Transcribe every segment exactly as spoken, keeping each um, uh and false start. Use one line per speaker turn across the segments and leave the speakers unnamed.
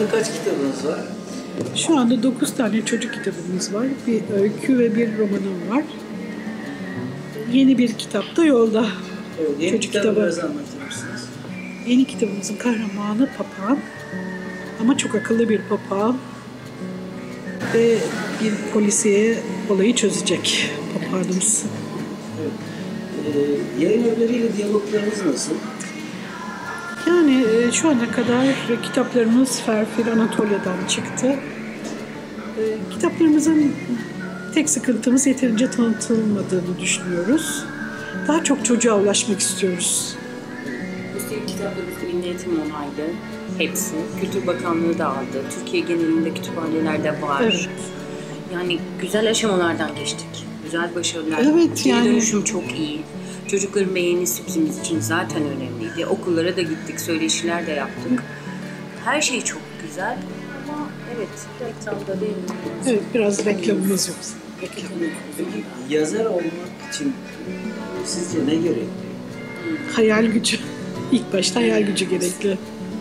anda kaç kitabınız var?
Şu anda dokuz tane çocuk kitabımız var. Bir öykü ve bir romanım var. Yeni bir kitap da yolda.
Evet, yeni
çocuk
kitabı
kitabı.
biraz anlatır mısınız?
Yeni kitabımızın kahramanı papağan. Ama çok akıllı bir papağan. Ve bir polisiye olayı çözecek papağanımız.
Evet. Ee, yayın evleriyle diyaloglarınız nasıl?
Yani e, şu ana kadar kitaplarımız Ferfir Anatolia'dan çıktı. E, kitaplarımızın tek sıkıntımız yeterince tanıtılmadığını düşünüyoruz. Daha çok çocuğa ulaşmak istiyoruz.
Üstelik kitaplarımız Milli Eğitim onaylı. Hepsi. Kültür Bakanlığı da aldı. Türkiye genelinde kütüphanelerde var.
Evet.
Yani güzel aşamalardan geçtik. Güzel başarılar.
Evet,
Geri
yani-
dönüşüm çok iyi. Çocukların beğenisi bizim için zaten önemliydi. Okullara da gittik, söyleşiler de yaptık. Her şey çok güzel ama evet, reklamda değil.
Evet, biraz reklamımız yok. Reklam.
Peki yazar olmak için sizce ne gerekli?
Hayal gücü. İlk başta hayal gücü gerekli.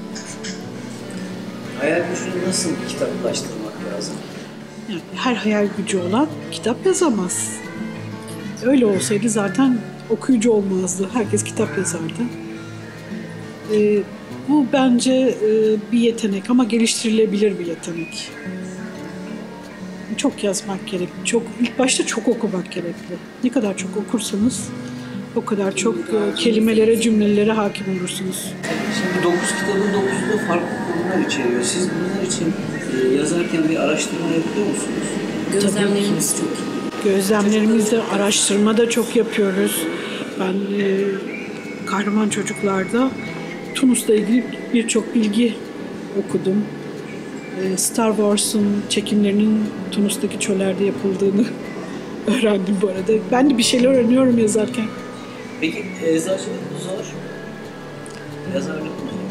Hayal gücünü nasıl kitaplaştırmak lazım?
Yani her hayal gücü olan kitap yazamaz. Öyle olsaydı zaten okuyucu olmazdı. Herkes kitap yazardı. Ee, bu bence e, bir yetenek ama geliştirilebilir bir yetenek. Çok yazmak gerekli. Çok, ilk başta çok okumak gerekli. Ne kadar çok okursanız o kadar çok e, kelimelere, cümlelere hakim olursunuz.
Şimdi dokuz kitabın dokuzu da farklı konular içeriyor. Siz bunlar için e, yazarken bir araştırma yapıyor musunuz?
Gözlemlerimiz çok iyi.
Gözlemlerimizde, araştırma da çok yapıyoruz. Ben e, Kahraman Çocuklar'da Tunus'la ilgili birçok bilgi okudum. E, Star Wars'un çekimlerinin Tunus'taki çöllerde yapıldığını öğrendim bu arada. Ben de bir şeyler öğreniyorum yazarken.
Peki eczacılık mı zor? Yazarlık mı zor?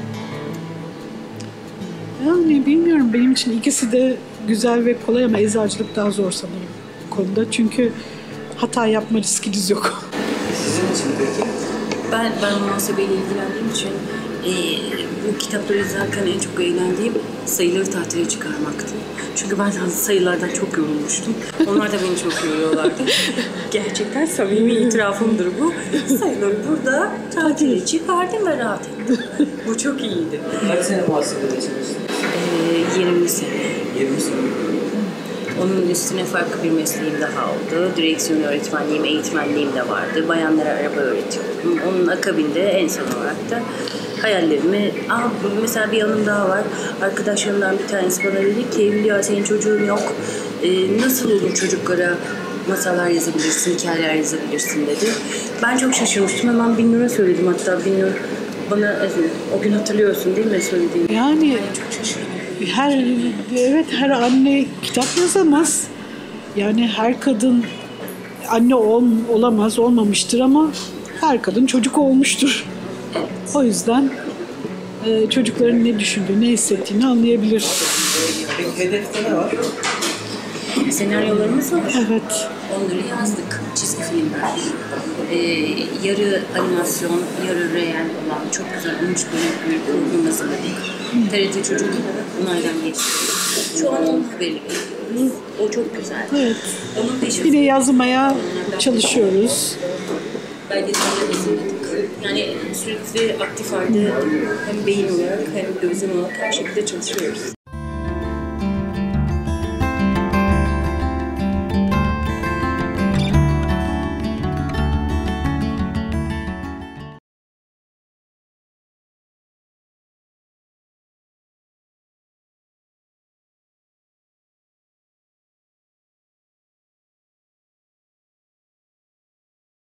Yani bilmiyorum, benim için ikisi de güzel ve kolay ama eczacılık daha zor sanırım bu konuda. Çünkü hata yapma riskiniz yok.
Sizin için peki?
Ben, ben muhasebeyle ilgilendiğim için e, bu kitapları izlerken en çok eğlendiğim sayıları tahtaya çıkarmaktı. Çünkü ben sayılardan çok yorulmuştum. Onlar da beni çok yoruyorlardı. Gerçekten samimi itirafımdır bu. Sayıları burada tahtaya çıkardım ve rahat ettim. Bu çok iyiydi.
Kaç sene muhasebede çalıştınız?
E, yirmi sene.
yirmi sene.
Onun üstüne farklı bir mesleğim daha oldu. Direksiyon öğretmenliğim, eğitmenliğim de vardı. Bayanlara araba öğretiyordum. Onun akabinde en son olarak da hayallerimi... Aa, mesela bir anım daha var. Arkadaşlarımdan bir tanesi bana dedi ki, Hülya senin çocuğun yok. Ee, nasıl olur çocuklara masallar yazabilirsin, hikayeler yazabilirsin dedi. Ben çok şaşırmıştım. Hemen bin lira söyledim hatta. Bin lira bana o gün hatırlıyorsun değil mi söylediğimi?
Yani
Çok şaşırdım.
her evet her anne kitap yazamaz. Yani her kadın anne ol, olamaz, olmamıştır ama her kadın çocuk olmuştur. O yüzden e, çocukların ne düşündüğünü, ne hissettiğini anlayabilir.
Peki hedefte ne var?
Senaryolarımız var.
Evet.
Onları yazdık. Çizgi filmler. Ee, yarı animasyon, yarı reel olan çok güzel on üç bölümlük bir program hazırladık. T R T Çocuk onaydan geçti. Şu an onun haberi bekliyoruz. O çok güzel.
Evet.
Onun peşinde.
Bir de yazmaya çalışıyoruz.
Belgeseller hazırladık. Yani sürekli aktif halde hem beyin olarak hem gözlem olarak her şekilde çalışıyoruz.